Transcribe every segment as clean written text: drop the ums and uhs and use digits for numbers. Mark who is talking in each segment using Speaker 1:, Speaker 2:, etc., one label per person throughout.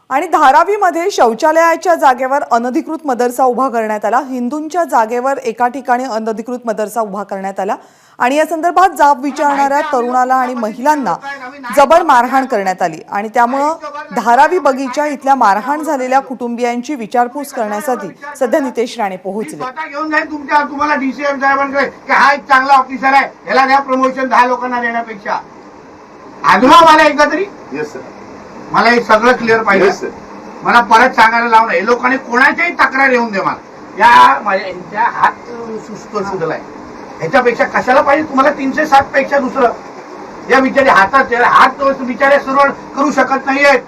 Speaker 1: आणि धारावीमध्ये शौचालयाच्या जागेवर अनधिकृत मदरसा उभा करण्यात आला। हिंदूंच्या जागेवर एका ठिकाणी अनधिकृत मदरसा उभा करण्यात आला आणि या संदर्भात जाब विचारणाऱ्या तरुणाला आणि महिलांना जबर मारहाण करण्यात आली आणि त्यामुळे धारावी बगीचा इथल्या मारहाण झालेल्या कुटुंबियांची विचारपूस करण्यासाठी सध्या नितेश राणे पोहोचले।
Speaker 2: घेऊन जाईल तुम्हाला डीसीएम साहेबांकडे की हा एक चांगला ऑफिसर आहे, याला द्या प्रमोशन 10 लोकांना देण्यापेक्षा। आजमा मला एकदा तरी
Speaker 3: येस सर,
Speaker 2: मला हे सगळं क्लिअर पाहिजे। मला परत सांगायला लावणं, हे लोकांनी कोणाच्याही तक्रार येऊन दे मला। या माझ्या यांच्या हात सुस्त सुजलाय, ह्याच्यापेक्षा कशाला पाहिजे तुम्हाला? 307 पेक्षा दुसरं या बिचारे हात बिचारे सुरळ करू शकत नाहीयेत।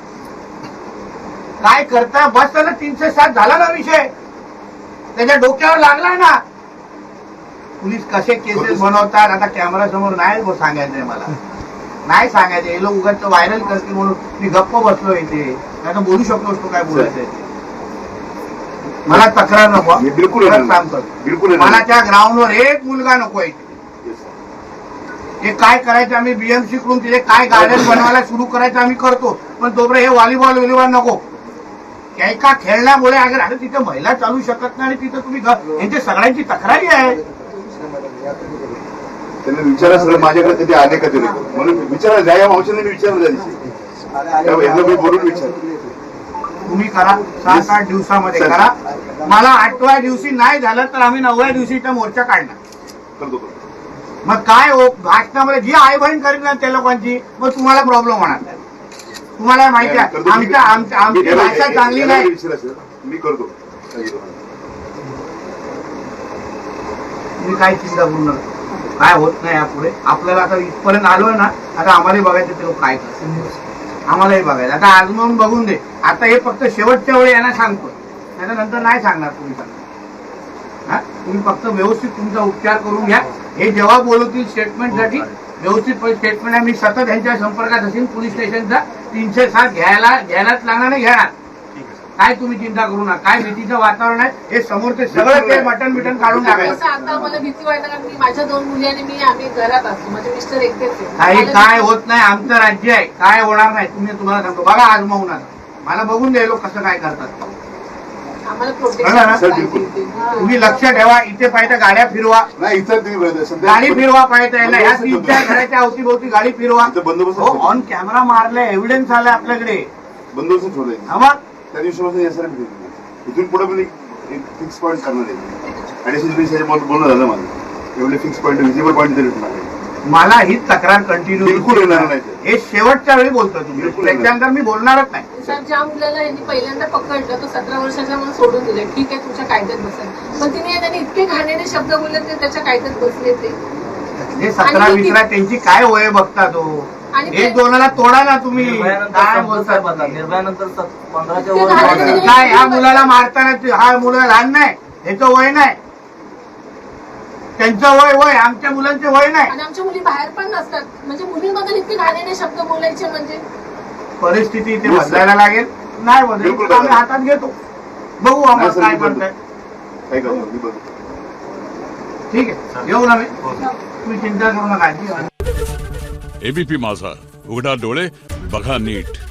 Speaker 2: काय करता? बस त्याला 307 झाला ना विषय, त्याच्या डोक्यावर लागलाय ना। पोलीस कसे केसेस बनवतात आता कॅमेरा समोर नाही सांगायचंय, मला नाही सांगायचं। हे लोक उगाच व्हायरल करतील म्हणून मी गप्प बसलो इथे, नाही तर बोलू शकलो असतो काय बोलायचंय। मला तक्रार नको,
Speaker 3: बिलकुल
Speaker 2: बिलकुल मला त्या ग्राउंडवर एक मुलगा नको इथे। हे काय करायचं आम्ही बीएमसी कडून तिथे काय गार्डन बनवायला सुरू करायचं आम्ही करतो, पण तोपर्यंत हे व्हॉलीबॉल नको। एका खेळण्यामुळे अगर तिथे महिला चालू शकत नाही आणि तिथे तुम्ही यांच्या सगळ्यांची तक्रारी आहे।
Speaker 3: त्यांनी विचारा सर माझ्याकडे कधी आले का तरी म्हणून विचारा जा, या मावशीने विचारलं त्यादिवशी मी बोलून विचार
Speaker 2: तुम्ही करा 7-8 दिवसामध्ये करा। मला 8व्या दिवशी नाही झालं तर आम्ही 9व्या दिवशी इथं मोर्चा काढणार। मग काय भाषणामध्ये जी आई बहीण करीत ना त्या लोकांची, मग तुम्हाला प्रॉब्लेम होणार नाही। तुम्हाला माहिती आहे आमची भाषा चांगली नाही।
Speaker 3: मी करतो,
Speaker 2: तुम्ही काय चिंता करू नका, काय होत नाही यापुढे। आपल्याला आता इथपर्यंत आलोय ना, आता आम्हालाही बघायचं ते लोक काय करतात, आम्हालाही बघायचं। आता आजमावून बघून दे। आता हे फक्त शेवटच्या वेळी यांना सांगतो, त्याच्यानंतर नाही सांगणार पोलिसांना। तुम्ही फक्त व्यवस्थित तुमचा उपचार करून घ्या। हे जेव्हा बोलवतील स्टेटमेंटसाठी व्यवस्थित स्टेटमेंट आहे। मी सतत यांच्या संपर्कात असेल, पोलीस स्टेशनचा 307 घ्यायलाच लागणार, नाही घेणार। काय तुम्ही चिंता करू नका। काय भीतीचं वातावरण आहे हे समोर ते सगळं ते मटन बिटन काढून टाकायचं।
Speaker 4: आता मला भीती वाटत, कारण की माझ्या 2 मुली आणि आम्ही घरात असतो, माझे मिस्टर एकटेच आहे।
Speaker 2: काही काय होत नाही, आमचं राज्य आहे, काय होणार नाही। तुम्हाला सांगतो बघा आजमावून आता, मला बघून द्या लोक कसं काय करतात।
Speaker 4: आम्हाला प्रोटेक्शन
Speaker 2: तुम्ही लक्ष ठेवा, इथे पाहिजे गाड्या फिरवा,
Speaker 3: नाही इथं
Speaker 2: गाडी फिरवा पाहिजे ह्या 3-4 घराच्या अवतीभोवती गाडी फिरवा। ऑन कॅमेरा मारले, एव्हिडन्स आलाय आपल्याकडे,
Speaker 3: बंदोबस्त ठेवलाय।
Speaker 2: मग
Speaker 3: त्या दिवशी इथून पुढे पण एक फिक्स पॉईंट करणार आहे। ऍडिशनल बोलणं झालं माझं, एवढे फिक्स पॉईंट विजिबल पॉईंट तरी
Speaker 2: मला ही तक्रार कंटिन्यू
Speaker 3: बिलकुल येणार नाही।
Speaker 2: हे शेवटच्या वेळी बोलतोय तुम्ही, त्याच्यानंतर मी बोलणारच नाही।
Speaker 4: सर, ज्या मुलाला यांनी पहिल्यांदा पकडलं तो 17 वर्षाचा, मला सोडून दिलं, ठीक आहे तुमच्या कायद्यात बसेल, पण तिने त्यांनी इतके घाणेरडे शब्द बोलले ते त्याच्या कायद्यात बसले। ते
Speaker 2: 17-20 त्यांची काय वय बघता तो, एक दोनाला तोडा ना तुम्ही। काय बोलताय
Speaker 5: निर्भयानंतर 15च्या
Speaker 2: काय ह्या मुलाला मारताना, हा मुलं लहान नाही, ह्याचं वय नाही, त्यांचं वय आमच्या मुलांचे वय नाही।
Speaker 4: आणि आमच्या मुली बाहेर पण नसतात, म्हणजे मुलींबद्दल इतके घाणेरडे शब्द बोलायचे, म्हणजे
Speaker 2: परिस्थिती इथे बदलायला लागेल। नाही बदल आम्ही हातात घेतो, बघू आम्हाला काय म्हणताय। ठीक आहे, येऊ ना मी, तुम्ही चिंता करू नका।
Speaker 6: एबीपी माझा, उघडा डोळे बघा नीट।